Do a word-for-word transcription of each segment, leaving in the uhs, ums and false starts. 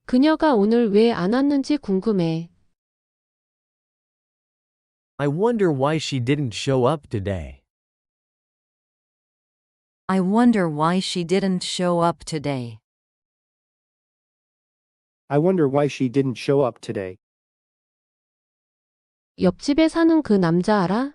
그녀가 오늘 왜 안 왔는지 궁금해. I wonder why she didn't show up today. I wonder why she didn't show up today. I wonder why she didn't show up today. 옆집에 사는 그 남자 알아?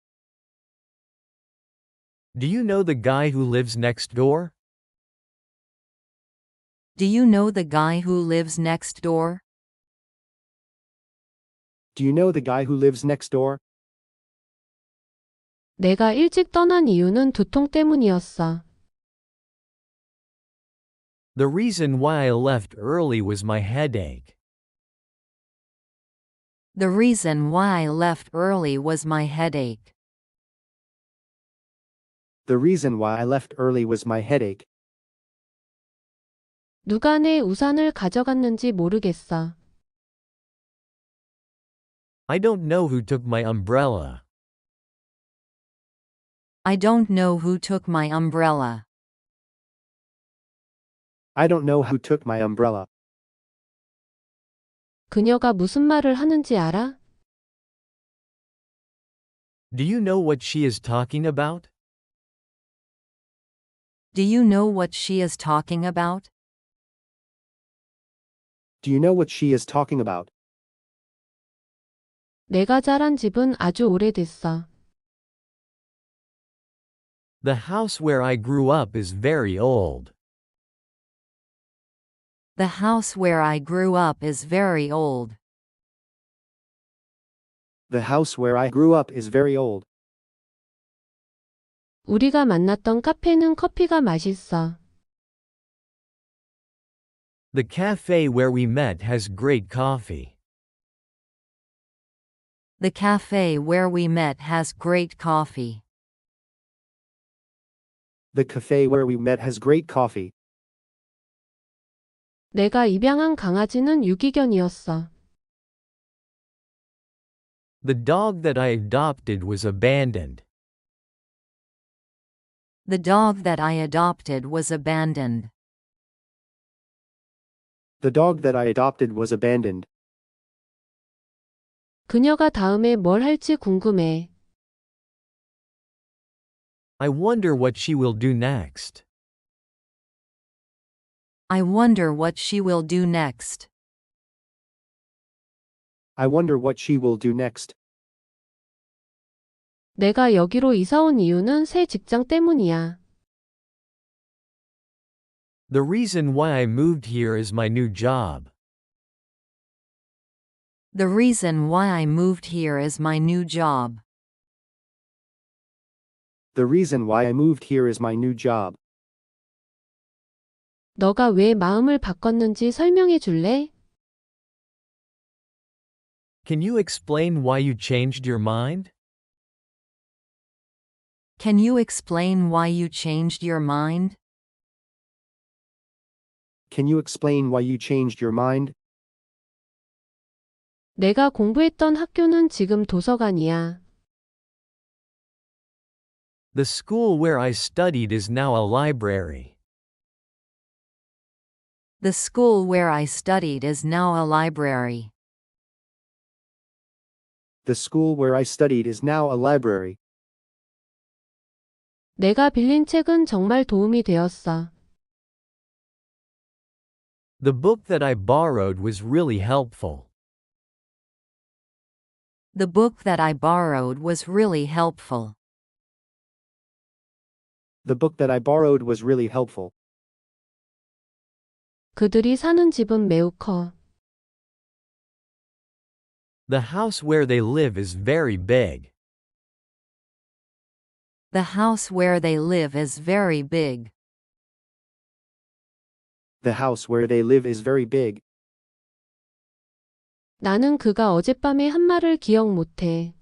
Do you know the guy who lives next door? Do you know the guy who lives next door? Do you know the guy who lives next door? 내가 일찍 떠난 이유는 두통 때문이었어. The reason why I left early was my headache. The reason why I left early was my headache. The reason why I left early was my headache. 누가 내 우산을 가져갔는지 모르겠어. I don't know who took my umbrella. I don't know who took my umbrella. I don't know who took my umbrella. 그녀가 무슨 말을 하는지 알아? Do you know what she is talking about? Do you know what she is talking about? Do you know what she is talking about? 내가 자란 집은 아주 오래됐어. The house where I grew up is very old. The house where I grew up is very old. The house where I grew up is very old. 우리가 만났던 카페는 커피가 맛있어. The cafe where we met has great coffee. The cafe where we met has great coffee. The cafe where we met has great coffee. 내가 입양한 강아지는 유기견이었어. The dog that I adopted was abandoned. The dog that I adopted was abandoned. The dog that I adopted was abandoned. 그녀가 다음에 뭘 할지 궁금해. I wonder what she will do next. I wonder what she will do next. I wonder what she will do next. 내가 여기로 이사 온 이유는 새 직장 때문이야. The reason why I moved here is my new job. The reason why I moved here is my new job. The reason why I moved here is my new job. 너가 왜 마음을 바꿨는지 설명해 줄래? Can you explain why you changed your mind? Can you explain why you changed your mind? Can you explain why you changed your mind? 내가 공부했던 학교는 지금 도서관이야. The school where I studied is now a library. The school where I studied is now a library. The school where I studied is now a library. 내가 빌린 책은 정말 도움이 되었어. The book that I borrowed was really helpful. The book that I borrowed was really helpful. The book that I borrowed was really helpful. 그들이 사는 집은 매우 커. The house where they live is very big. The house where they live is very big. The house where they live is very big. 나는 그가 어젯밤에 한 말을 기억 못해.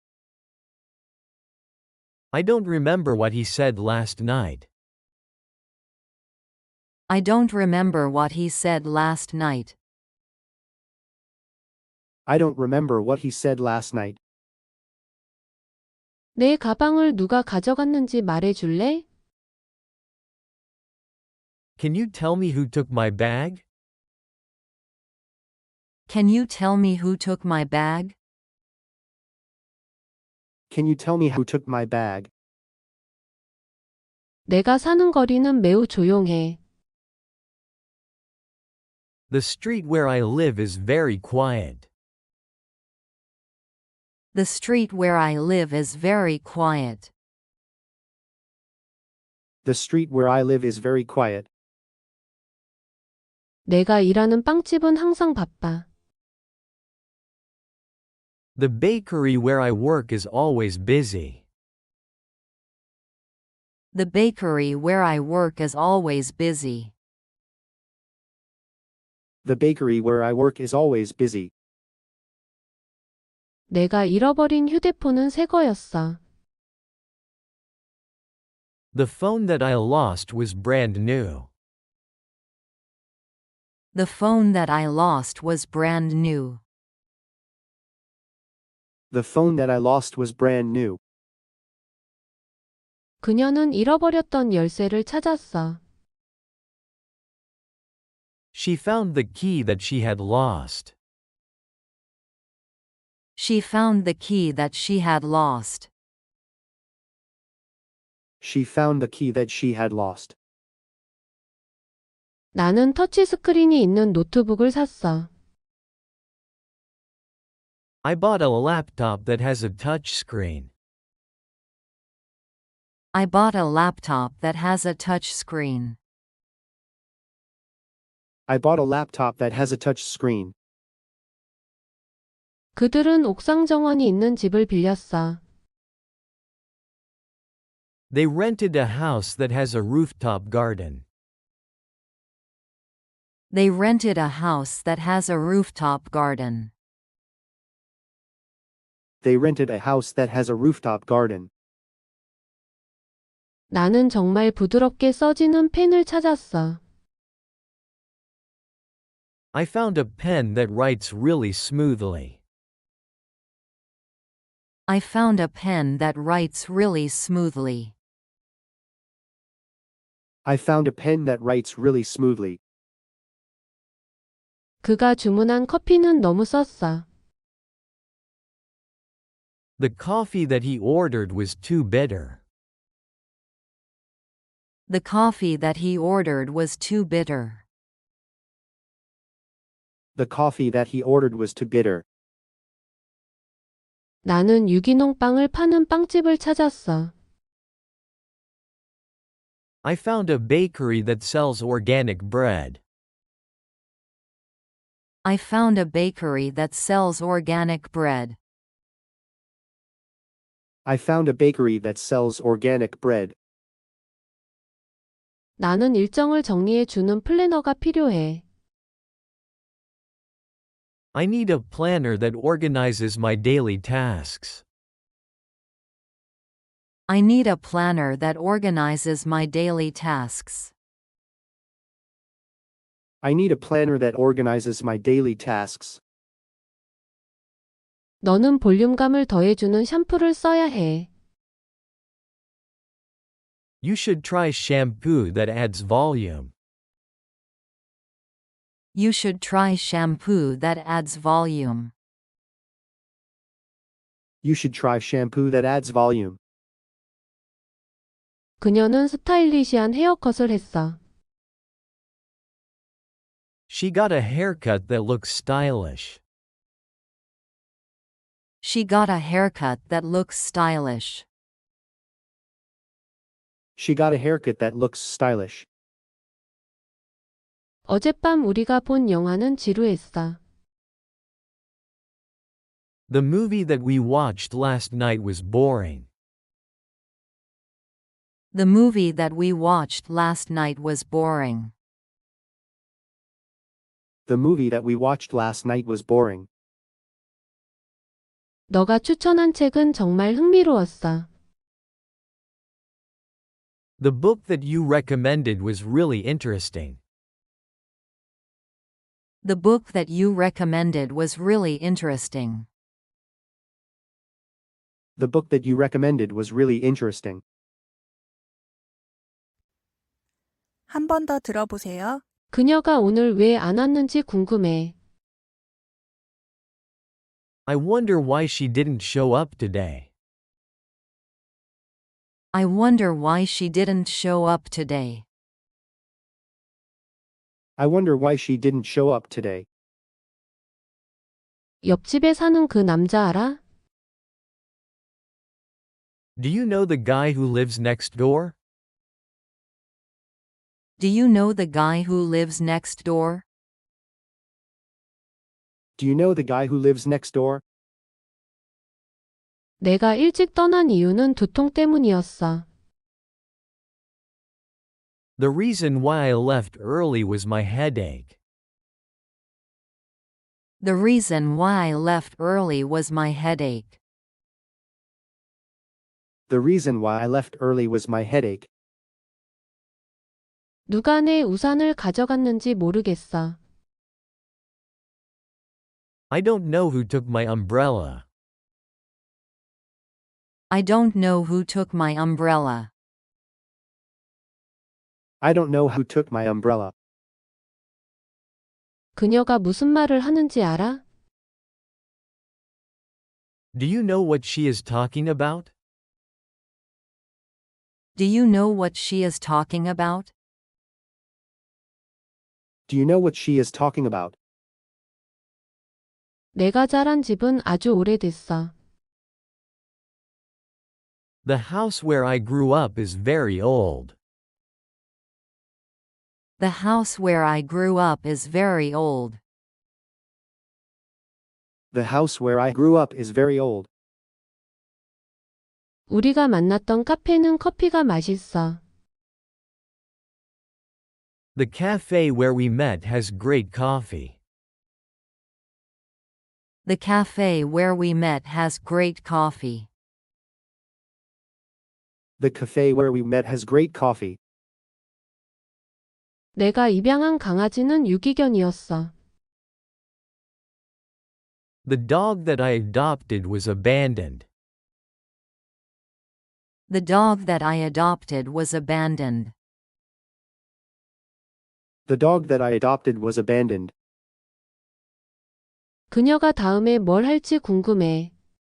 I don't remember what he said last night. I don't remember what he said last night. I don't remember what he said last night. 내 가방을 누가 가져갔는지 말해 줄래? Can you tell me who took my bag? Can you tell me who took my bag? Can you tell me who took my bag? 내가 사는 거리는 매우 조용해. The street where I live is very quiet. The street where I live is very quiet. The street where I live is very quiet. 내가 일하는 빵집은 항상 바빠. The bakery where I work is always busy. The bakery where I work is always busy. The bakery where I work is always busy. 내가 잃어버린 휴대폰은 새 거였어. The phone that I lost was brand new. The phone that I lost was brand new. The phone that I lost was brand new. 그녀는 잃어버렸던 열쇠를 찾았어. She found the key that she had lost. She found the key that she had lost. She found the key that she had lost. 나는 터치스크린이 있는 노트북을 샀어. I bought a laptop that has a touch screen. I bought a laptop that has a touch screen. I bought a laptop that has a touch screen. 그들은 옥상 정원이 있는 집을 빌렸어. They rented a house that has a rooftop garden. They rented a house that has a rooftop garden. They rented a house that has a rooftop garden. 나는 정말 부드럽게 써지는 펜을 찾았어. I found a pen that writes really smoothly. I found a pen that writes really smoothly. I found a pen that writes really smoothly. 그가 주문한 커피는 너무 썼어. The coffee that he ordered was too bitter. The coffee that he ordered was too bitter. The coffee that he ordered was too bitter. 나는 유기농 빵을 파는 빵집을 찾았어. I found a bakery that sells organic bread. I found a bakery that sells organic bread. I found a bakery that sells organic bread. 나는 일정을 정리해 주는 플래너가 필요해. I need a planner that organizes my daily tasks. I need a planner that organizes my daily tasks. I need a planner that organizes my daily tasks. 너는 볼륨감을 더해주는 샴푸를 써야 해. You should try shampoo that adds volume. You should try shampoo that adds volume. You should try shampoo that adds volume. 그녀는 스타일리시한 헤어컷을 했어. She got a haircut that looks stylish. She got a haircut that looks stylish. She got a haircut that looks stylish. 어젯밤 우리가 본 영화는 지루했어. The movie that we watched last night was boring. The movie that we watched last night was boring. The movie that we watched last night was boring. 너가 추천한 책은 정말 흥미로웠어. The book that you recommended was really interesting. The book that you recommended was really interesting. The book that you recommended was really interesting. 한 번 더 들어보세요. 그녀가 오늘 왜 안 왔는지 궁금해. I wonder why she didn't show up today. I wonder why she didn't show up today. I wonder why she didn't show up today. 옆집에 사는 그 남자 알아? Do you know the guy who lives next door? Do you know the guy who lives next door? Do you know the guy who lives next door? 내가 일찍 떠난 이유는 두통 때문이었어. The reason why I left early was my headache. The reason why I left early was my headache. The reason why I left early was my headache. 누가 내 우산을 가져갔는지 모르겠어. I don't know who took my umbrella. I don't know who took my umbrella. I don't know who took my umbrella. 그녀가 무슨 말을 하는지 알아? Do you know what she is talking about? Do you know what she is talking about? Do you know what she is talking about? 내가 자란 집은 아주 오래됐어. The house where I grew up is very old. The house where I grew up is very old. The house where I grew up is very old. 우리가 만났던 카페는 커피가 맛있어. The cafe where we met has great coffee. The cafe where we met has great coffee. The cafe where we met has great coffee. 내가 입양한 강아지는 유기견이었어. The dog that I adopted was abandoned. The dog that I adopted was abandoned. The dog that I adopted was abandoned. 그녀가 다음에 뭘 할지 궁금해.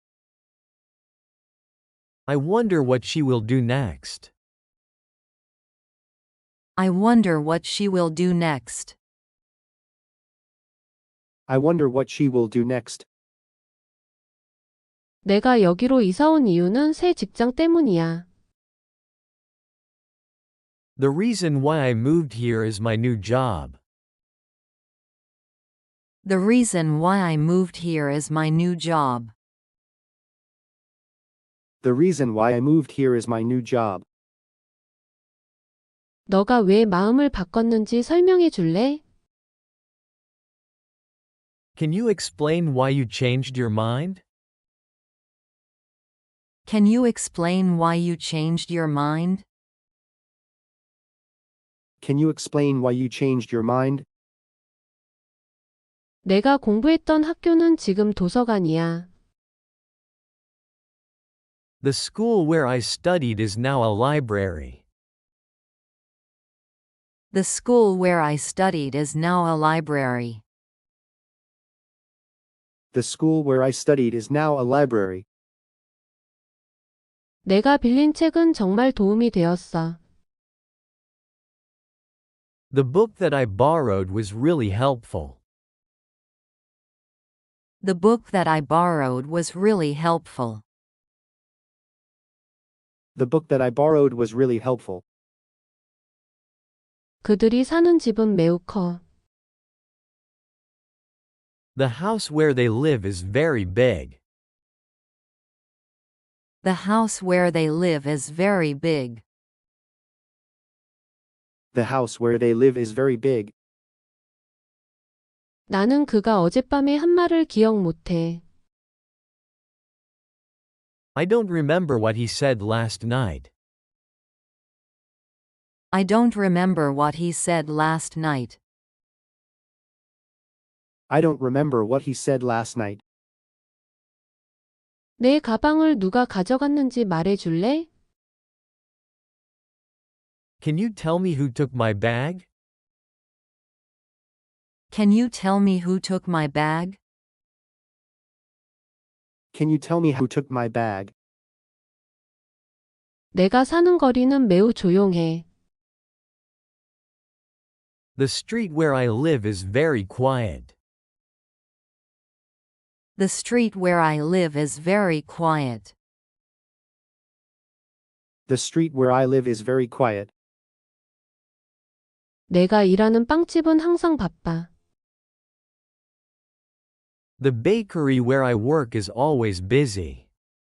I wonder what she will do next. I wonder what she will do next. I wonder what she will do next. 내가 여기로 이사 온 이유는 새 직장 때문이야. The reason why I moved here is my new job. The reason why I moved here is my new job. The reason why I moved here is my new job. 너가 왜 마음을 바꿨는지 설명해 줄래? Can you explain why you changed your mind? Can you explain why you changed your mind? Can you explain why you changed your mind? 내가 공부했던 학교는 지금 도서관이야. The school where I studied is now a library. The school where I studied is now a library. The school where I studied is now a library. 내가 빌린 책은 정말 도움이 되었어. The book that I borrowed was really helpful. The book that I borrowed was really helpful. The book that I borrowed was really helpful. 그들이 사는 집은 매우 커. The house where they live is very big. The house where they live is very big. The house where they live is very big. 나는 그가 어젯밤에 한 말을 기억 못해. I don't remember what he said last night. I don't remember what he said last night. I don't remember what he said last night. 내 가방을 누가 가져갔는지 말해 줄래? Can you tell me who took my bag? Can you tell me who took my bag? Can you tell me who took my bag? 내가 사는 거리는 매우 조용해. The street where I live is very quiet. The street where I live is very quiet. The street where I live is very quiet. 내가 일하는 빵집은 항상 바빠. The bakery where I work is always busy.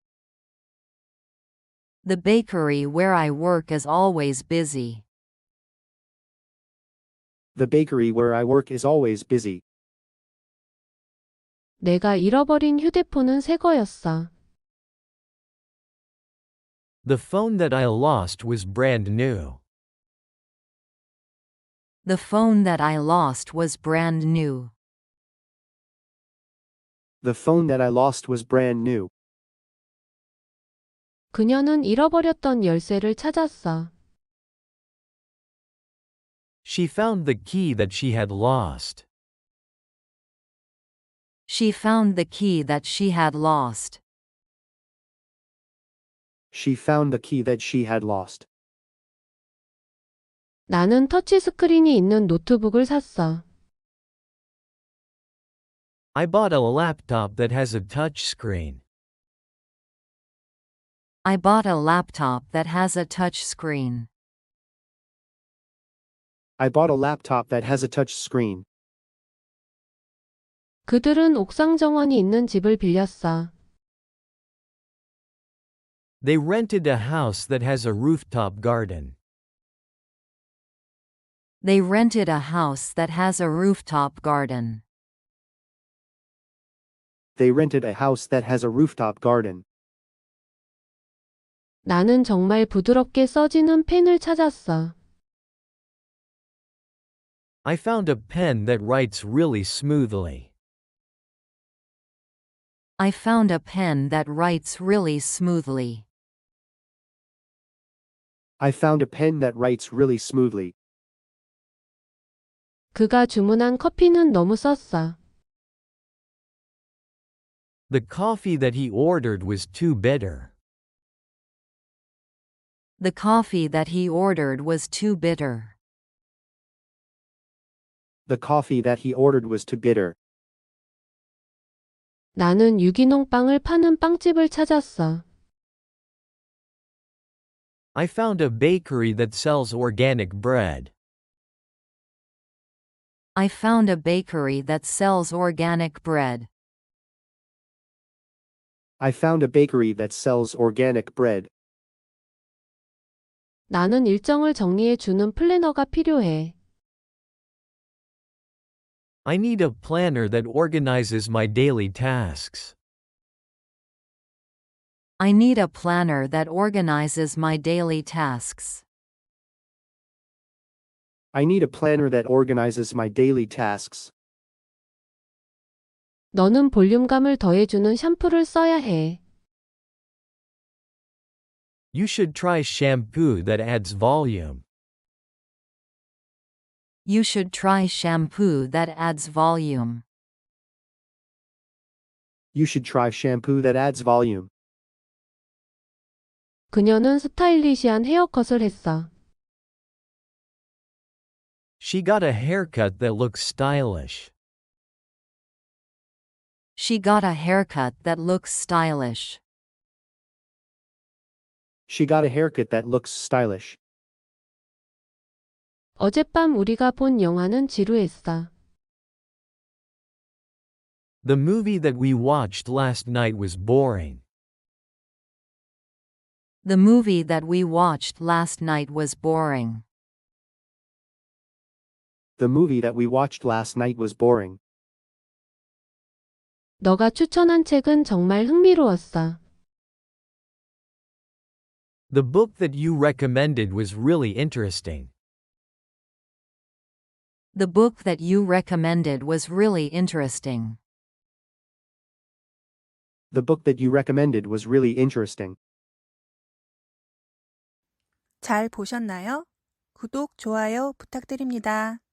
The bakery where I work is always busy. The bakery where I work is always busy. 내가 잃어버린 휴대폰은 새 거였어. The phone that I lost was brand new. The phone that I lost was brand new. The phone that I lost was brand new. 그녀는 잃어버렸던 열쇠를 찾았어. She found the key that she had lost. She found the key that she had lost. She found the key that she had lost. 나는 터치스크린이 있는 노트북을 샀어. I bought a laptop that has a touch screen. I bought a laptop that has a touch screen. I bought a laptop that has a touch screen. 그들은 옥상 정원이 있는 집을 빌렸어. They rented a house that has a rooftop garden. They rented a house that has a rooftop garden. They rented a house that has a rooftop garden. 나는 정말 부드럽게 써지는 펜을 찾았어. I found a pen that writes really smoothly. I found a pen that writes really smoothly. I found a pen that writes really smoothly. 그가 주문한 커피는 너무 썼어. The coffee that he ordered was too bitter. The coffee that he ordered was too bitter. The coffee that he ordered was too bitter. 나는 유기농 빵을 파는 빵집을 찾았어. I found a bakery that sells organic bread. I found a bakery that sells organic bread. I found a bakery that sells organic bread. 나는 일정을 정리해 주는 플래너가 필요해. I need a planner that organizes my daily tasks. I need a planner that organizes my daily tasks. I need a planner that organizes my daily tasks. 너는 볼륨감을 더해주는 샴푸를 써야 해. You should try shampoo that adds volume. You should try shampoo that adds volume. You should try shampoo that adds volume. 그녀는 스타일리시한 헤어컷을 했어. She got a haircut that looks stylish. She got a haircut that looks stylish. She got a haircut that looks stylish. 어젯밤 우리가 본 영화는 지루했어. The movie that we watched last night was boring. The movie that we watched last night was boring. The movie that we watched last night was boring. 너가 추천한 책은 정말 흥미로웠어. The book that you recommended was really interesting. The book that you recommended was really interesting. The book that you recommended was really interesting. 잘 보셨나요? 구독, 좋아요 부탁드립니다.